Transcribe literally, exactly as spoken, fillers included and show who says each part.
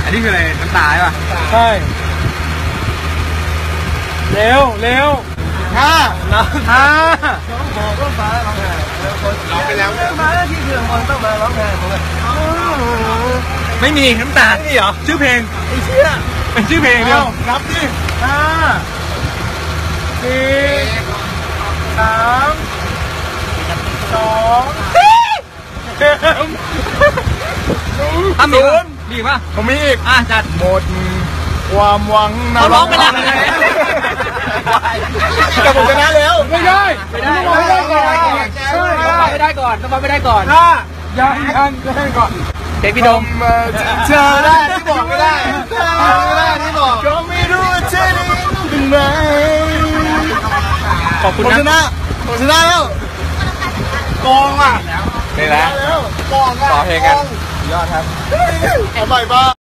Speaker 1: นนี้คืออะไรน้ำตาใช่ป่ะ
Speaker 2: ใช่เร็วเร็ว
Speaker 1: ห้า
Speaker 2: ห้า
Speaker 1: บอกว่าฟ้าร้องไห้ร้องไปแล้วมาที่เรื่องมันต้องมาร้องไห้ผมเลย
Speaker 2: ไม่มีน้ำตานี่เหรอชื่อเพลง
Speaker 1: ไอ้เชี่ย
Speaker 2: เป็นชื่อเพลงเดียว
Speaker 1: นับดิ
Speaker 2: ห้าสี่สามสอง
Speaker 1: ทำอีก
Speaker 2: ดีป่ะ
Speaker 1: ผมมีอีก
Speaker 2: อ่ะจัด
Speaker 1: หมดความหวัง
Speaker 2: เขาร้องไปแล้ว
Speaker 1: แต่ผมชนะแล้ว
Speaker 2: ไม่ได้ไม่ได้ไม่ได้ก่อนไม่ได้ก่อนต้องไม่ได้ก่อนถ้ายังยังก็ให้ก่อนเด็กพี่ดม
Speaker 1: เธอได้ที่บอกไม่ได้เธอไม่ได้ที่บอกก็ไม่รู้ว่าเธอได้เป็นไง
Speaker 2: ขอบคุณ
Speaker 1: นะผมชนะผมชนะแล้วกองอ่ะ
Speaker 2: นี่แหละ
Speaker 1: กองอ่ะ
Speaker 2: ต่อเพลงกัน
Speaker 1: ยอดครับเอาใหม่บ้า